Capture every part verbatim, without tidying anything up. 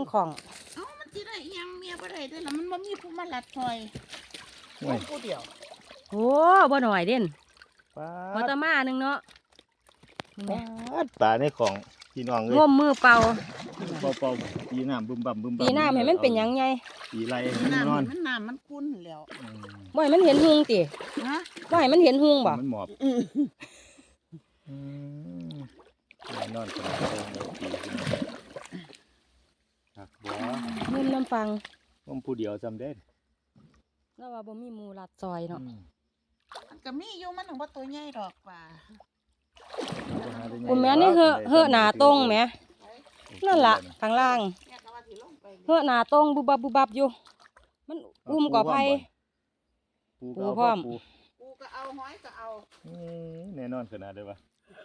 ของเอ้ามันสิได้อีหยังเมียบ่ได้เด้อล่ะมันบ่มีผู้มาลัดซอยโอ้ยผู้เดียวโอ้บ่หน่อยเด่นปลาพอตะมาหนึงเนาะปลาปลาในของพี่น้องเลยงมมือเป่าเป่าเป่าปีน้ำบึมบั่มบึมบั่มปีหน้าให้มันเป็นหยังไงปีไรน้ำนอนมันน้ำมันคุ้นแล้วอืมบ่ให้มันเห็นหุงติฮะบ่ให้มันเห็นหุงบ่มันหมอบอืออืมแน่นอนขนาดนี้เลยปีขึ้นมาหักบัวงมน้ำฟังผมผู้เดียวจำได้แล้วว่าบ่มีหมู่ลัดซอยเนาะอืมมันก็มีอยู่มันถึงว่าตัวใหญ่ดอกป่าคุณแม่นี่เฮอะเฮอะหน้าตรงแหมนั่นล่ะข้างล่างเนี่ยก็ว่าสิลงไปเฮอะหน้าตรงบุบบับบุบบับอยู่ มันอุ้มก่อไผปูปูก็พร้อเอามปูกูก็เอาห้อยก็เอาอืมแน่นอนขนาดเลยวะ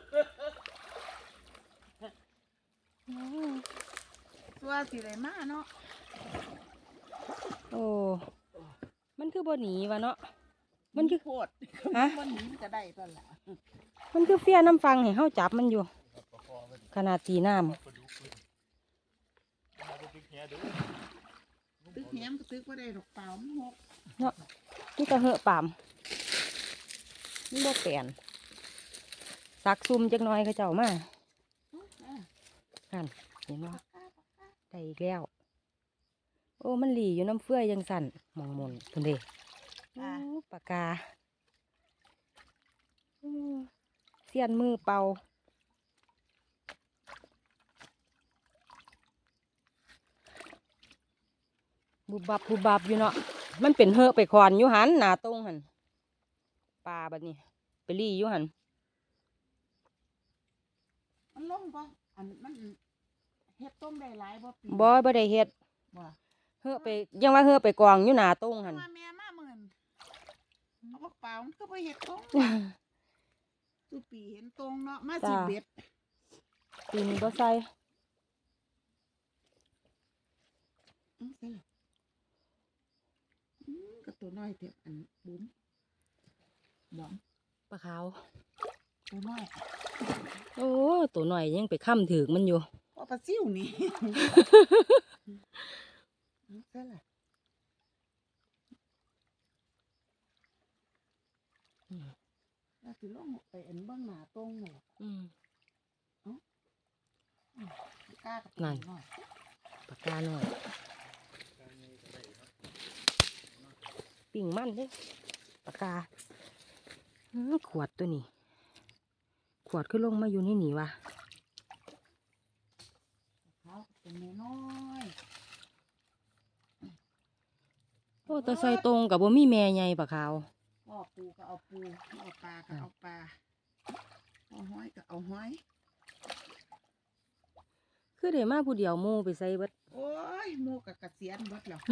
ตัวสิได้มาเนาะโอ้ มันคือบ่หนีวะเนาะ มันคือโพดฮะมันหนีก็ได้ตอนละมันคือเฟี้ยน้ำฟังให้เฮาจับมันอยู่ ขนาดตีน้ำตึกแหมก็ตึกบ่ได้ดอกเปล่ามันหกเนาะนี่ก็เหอะปามนี่บ่แปลนสักซุ่มจักหน่อยเขาเจ้ามาหันเห็นบ่ได้อีกแล้ว โอ้มันหลีอยู่น้ำเฟื่อยยังสั่นมองมนพุ่นเด้โอ้ปากกาอืมเสียนมือเป่าบุบบับบุบบับอยู่เนาะมันเป็นเหอะไปคอนอยู่หันหนาตรงหันปลาบัดนี้ไปลี่อยู่หันมันลงบ่อันมันเฮ็ดต้มได้หลายบ่ปีบ่บ่ได้เฮ็ดบ่เหอะไปยังว่าเหอะไปกองอยู่หนาตรงหันว่าแม่มาหมื่นเอาบักเปล่ามันก็บ่เฮ็ดตรงสุปีเห็นตรงเนาะมาสิเบ็ดปีนี้บ่ใส่อื้อใส่ละอื้อก็ตัวน้อยเถอะอันบุ้มบ่ปลาขาวตัวน้อยโอ้ตัวหน่อยยังไปค้ำถือกมันอยู่พอปลาซิ่วนี่ อื้อใส่ละแล้วสิลงไปอันเบิ่งหน้าตรงนี่อืมกล้ากับนั่นน้อยปากกาหน่อยปิ่งมันเด้ปากกาอื้อขวดตัวนี้ ขวดขึ้นลงมาอยู่นี่หนีวะเขาเป็นน้อยโอ้แตะใส่ตรงกับบ่มีแม่ใหญ่ปลาขาวๆพ่อปูก็เอาปูเอาปลาก็เอาปลาเอาห้อยก็เอาห้อยคือได้มาผู้เดียวหมู่ไปใส่เบิดโอ้ยหมูกับกระเสียนเบิดแล้ว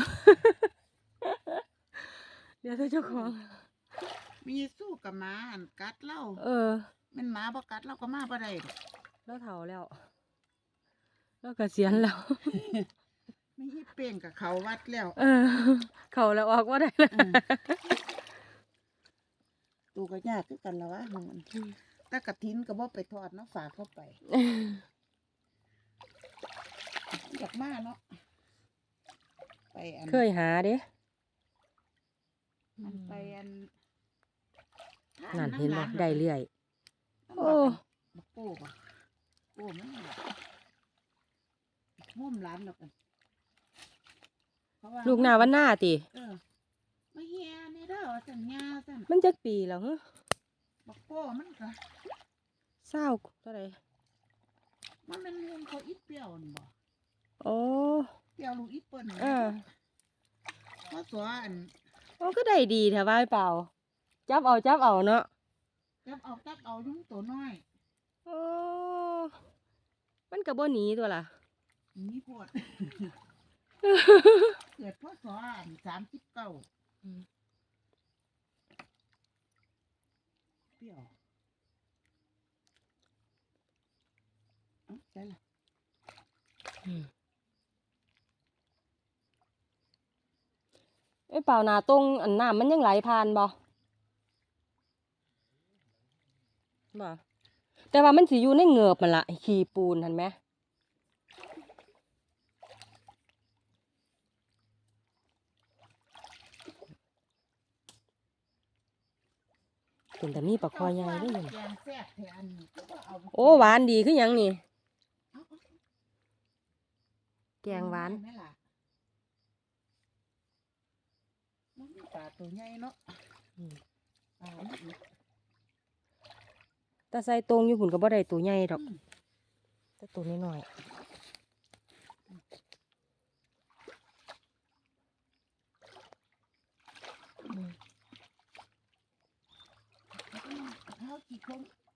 เดี๋ยวเจ้าของมีสู้กับหมาอันกัดเล่าเออแมันหมาบ่กัดเราก็มาบ่ได้ดอกแล้วเฒ่าแล้วแล้วก็เสียนแล้วไม่ให้เป่งกับเขาวัดแล้วเออ เขาแล้วออกว่าได้แล้วเออตูก็ยากคือกันละวะของมันแต่กระถินก็บ่ไปทอดเนาะฝากเข้าไปอยากมาเนาะไปอันเคยหาเด้มันไปอันนั่นเห็นบ่ได้เรื่อยโอ้โอ้บักโป้บ่โป้มันแบบห่มร้านดอกกันเพราะว่าลูกหน้าวันหน้าติเออมาเฮียนี่เด้อว่าสัญญาสั่นมันจักปีแล้วฮะบักโป้มันก็เศร้าเท่าไหร่มันเป็นเรื่องเขาอีเปรี้ยวนี่บ่โอ้เปรี้ยวลูกอีเปิ้นเออเพราะตัวอันโอ้ก็ได้ดีแถวบ้านเปล่า จับเอาจับเอาเนาะจับเอาจับเอายุ่งตัวน้อยโอ้มันก็บ่หนีตัวล่ะนี่โพด เกิดพศอันสามสิบเก้าอืมเปรี้ยวเอ้าใช่ล่ะอืมไอ้เปล่าหนาตรงอันน้ำมันยังไหลผ่านบ่บ่แต่ว่ามันสิอยู่ในเหงือบมันละขี้ปูนเห็นไหมเป็นแต่มีปลาคอใหญ่ได้อยังแกงแซ่บแทนนี่ก็บ่เอาโอ้หวานดีคือหยังนี่เอาเอาแกงหวานแม่ล่ะมันมีปลาตัวใหญ่เนาะอืมปลานี่อีกแต่ใส่ตรงอยู่หุ่นก็บ่ได้ตัวใหญ่ดอกอืมแต่ตัวน้อยๆอืมเอากี่คน